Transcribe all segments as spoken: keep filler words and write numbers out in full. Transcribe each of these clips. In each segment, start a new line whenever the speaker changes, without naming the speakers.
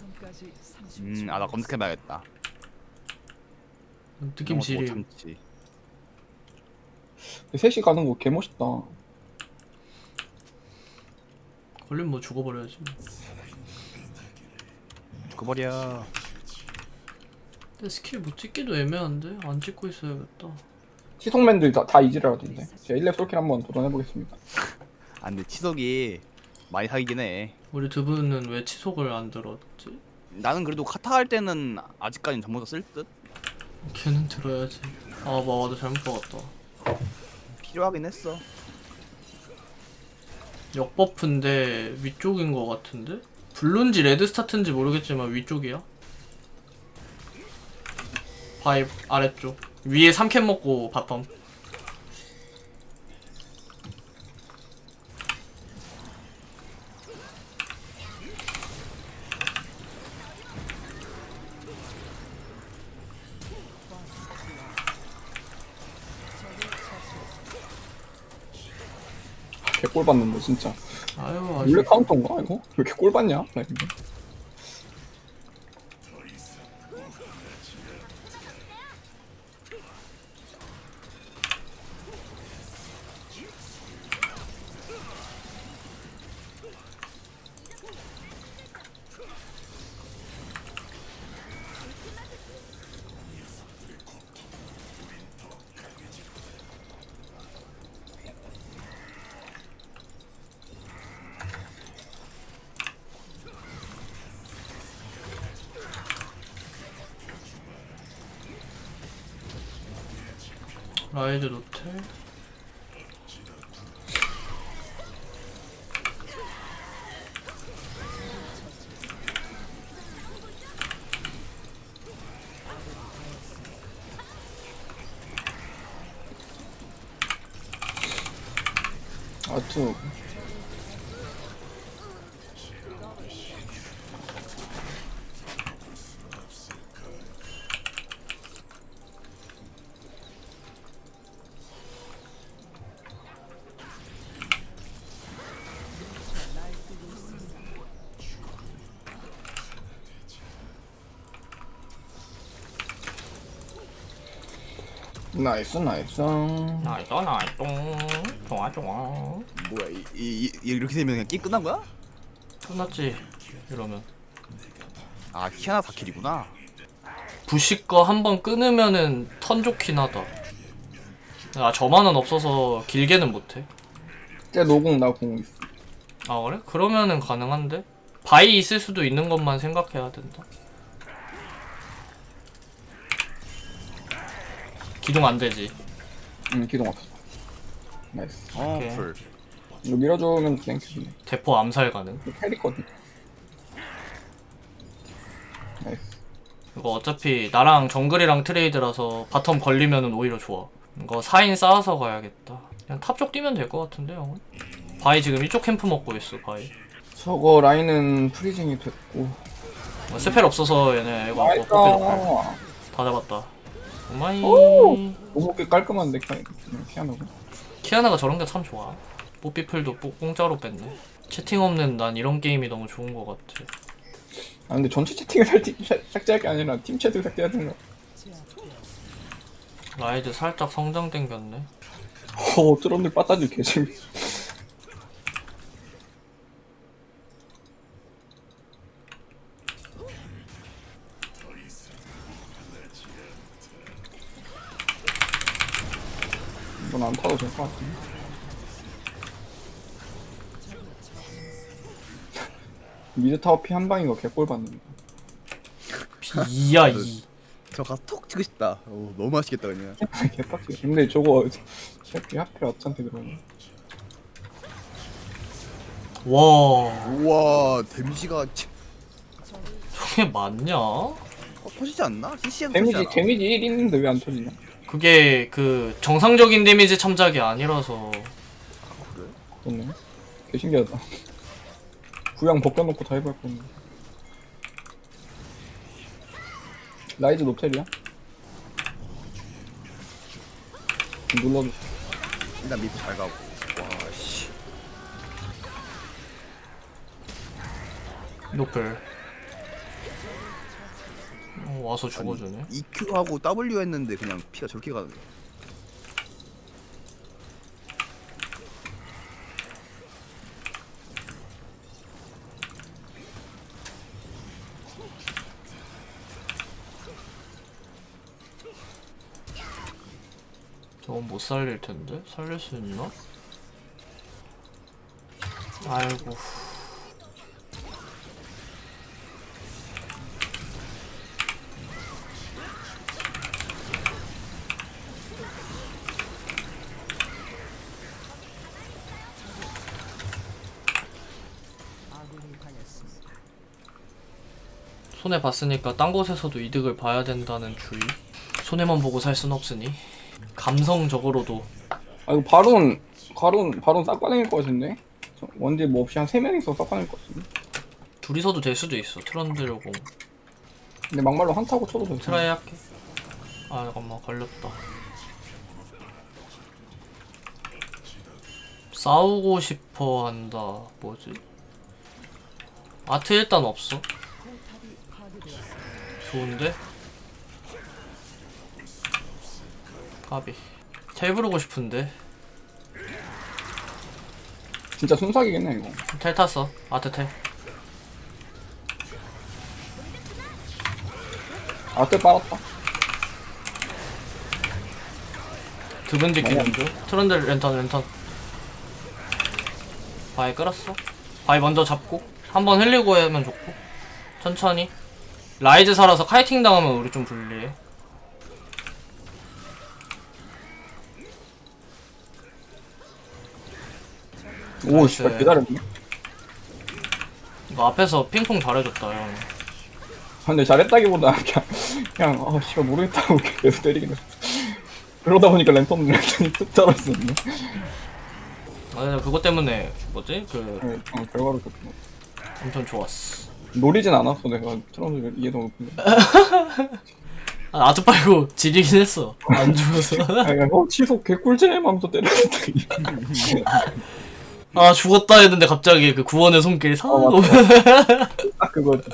음, 아 나 검색해봐야겠다.
느낌 지리.
참지.
셋이 가는 거 개멋있다.
걸리면 뭐 죽어버려야지.
죽어버려.
근데 스킬 못 찍기도 애매한데? 안 찍고 있어야겠다.
시속맨들 다, 다 이지라던데. 제가 일 렙 솔킬 한번 도전해보겠습니다.
아 근데 치석이 많이 사기긴 해.
우리 두 분은 왜 치속을 안 들었지?
나는 그래도 카타 할 때는 아직까지는 전부 다 쓸 듯?
걔는 들어야지. 아, 뭐 나도 잘못 박았다.
필요하긴 했어.
역버프인데 위쪽인 것 같은데? 블루인지 레드 스타트인지 모르겠지만 위쪽이야. 바이 아래쪽. 위에 삼 캔 먹고 바텀.
개꼴 받는데 진짜.
아유,
원래
아주.
카운터인가 이거? 왜 이렇게 꼴 받냐? 나 이거.
라이즈 노텔.
아투. 나이스 나이스.
나이스 나이스. 좋아 좋아.
뭐야 이, 이, 이, 이렇게 되면 그냥 게임 끝난 거야?
끝났지. 이러면.
아 키아나 사 킬이구나.
부시 거 한 번 끊으면은 턴 좋긴 하다. 아, 저만은 없어서 길게는 못해.
쟤 노공 나 공 있어.
아, 그래? 그러면은 가능한데? 바이 있을 수도 있는 것만 생각해야 된다. 기동 안 되지.
응 기동 없어. 나이스.
어
오케이.
풀.
이거 밀어주면 땡큐네.
대포 암살 가능.
이거 캐리거든. 나이스.
이거 어차피 나랑 정글이랑 트레이드라서 바텀 걸리면은 오히려 좋아. 이거 사 인 쌓아서 가야겠다. 그냥 탑 쪽 뛰면 될 것 같은데, 형은? 바이 지금 이쪽 캠프 먹고 있어, 바이.
저거 라인은 프리징이 됐고.
어, 스펠 없어서 얘네 이거
나이스.
뭐 뽑혀졌다. 다 잡았다. 오마이.
오! 너무 꽤 깔끔한데 키아노가.
키아나가 저런 게 참 좋아. 뽀삐플도 뽀- 공짜로 뺐네. 채팅 없는 난 이런 게임이 너무 좋은 것 같아.
아 근데 전체 채팅을 삭제, 삭제할 게 아니라 팀 채팅 삭제하는 거.
라이드 살짝 성장 땡겼네.
오 트럼들 빠따질 개재미. 이건 안 타도 될 것 같은데. 미드 타워 피 한 방인 거 개꼴 받는다.
이야 이.
저 가서 톡 치고 싶다. 오, 너무 맛있겠다 그냥.
개빡치. 근데 저거 새끼 하필 어쩐테 들어오네.
와,
우와 데미지가 치-
저게 맞냐?
어, 터지지 않나? 씨씨엠
데미지
터지잖아.
데미지 일 있는데 왜 안 터지냐?
그게 그 정상적인 데미지 참작이 아니라서.
그래?
그렇네. 개 신기하다. 부양 벗겨놓고 다 해볼 건데. 라이즈 노텔이야? 눌러줘.
일단 미드 잘 가고. 와 씨.
노플. 와서 죽어주네.
이큐하고 W 했는데 그냥 피가 저렇게 가네.
저건 못 살릴 텐데? 살릴 수 있나? 아이고. 손해 봤으니까 딴 곳에서도 이득을 봐야 된다는 주의. 손해만 보고 살 순 없으니 감성적으로도.
아 이거 바론 바론 바론 싹 빠내릴 것 같은데? 저 원딜 뭐 없이 한 세 명이서 싹 빠낼 것 같은데?
둘이서도 될 수도 있어. 트런드려고.
근데 막말로 한타고 쳐도 돼.
트라이 할게. 아 잠깐만 걸렸다. 싸우고 싶어 한다. 뭐지? 아트 일단 없어. 좋은데? 까비. 텔 부르고 싶은데.
진짜 순삭이겠네 이거.
텔 탔어. 아트 텔.
아트 빨았다.
드분 지키는 중. 트런드 랜턴 랜턴. 바위 끌었어. 바위 먼저 잡고 한번 흘리고 하면 좋고. 천천히. 라이즈 살아서 카이팅 당하면 우리 좀 불리해.
오
나이스.
씨발 기다렸네.
이거 앞에서 핑퐁 잘해줬다 형.
아, 근데 잘했다기보다 그냥 그냥 아 씨발 모르겠다고 계속 때리긴 했어. 그러다 보니까 랜턴 랜턴이 뚝 떨어졌네.
아 그것 때문에 뭐지? 그
네, 어, 결과로 좋구나.
엄청 좋았어.
노리진 않았어 내가 트런드 이해도 못했는데.
아, 아트 빨고 지리긴 했어. 안 죽어서.
아, 그냥, 어 취소 개꿀잼 하면서 때렸는데.
아 죽었다 했는데 갑자기 그 구원의 손길 사.
어, 맞다. 딱 그거지.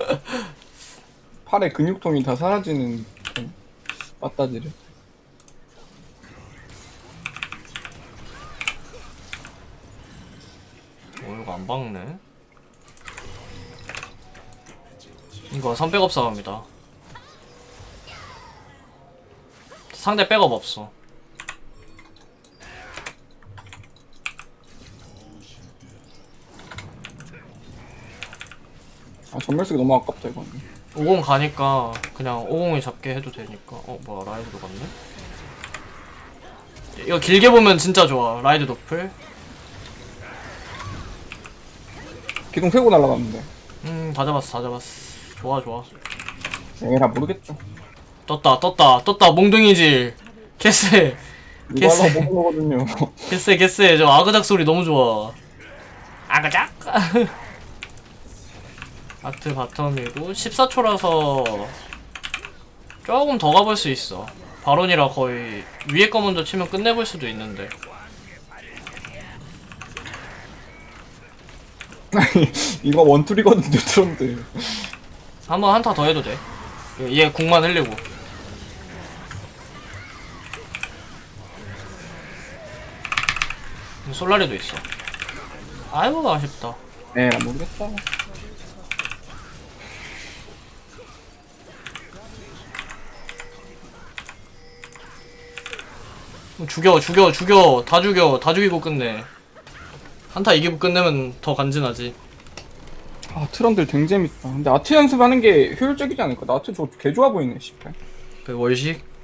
팔에 근육통이 다 사라지는 그런 빠따지를.
어 이거 안 박네. 이거 선백업 싸움이다. 상대 백업 없어.
아 전멸 쓰기 너무 아깝다 이거.
오공 가니까 그냥 오공이 잡게 해도 되니까. 어 뭐야 라이드도 갔네. 이거 길게 보면 진짜 좋아. 라이드 노플.
기둥 세고 날아갔는데.
음다 잡았어 다 잡았어. 좋아 좋아.
에라 모르겠죠.
떴다 떴다 떴다 몽둥이질. 개쎄
이거
개쎄
하려고 못 먹거든요.
개쎄 개쎄. 저 아그작 소리 너무 좋아. 아그작. 아트 바텀이고 십사 초라서 조금 더 가볼 수 있어. 바론이라 거의 위에 거 먼저 치면 끝내볼 수도 있는데.
이거 원툴이거든요 트런드.
한번 한타 더 해도 돼. 얘 궁만 흘리고. 솔라리도 있어. 아이고 아쉽다.
에라 모르겠다.
죽여 죽여 죽여 다 죽여 다 죽이고 끝내. 한타 이기고 끝내면 더 간지나지.
아 트런들 댕 재밌다. 근데 아트 연습하는 게 효율적이지 않을까? 나 아트 저개 좋아 보이네 씨발.
그 월식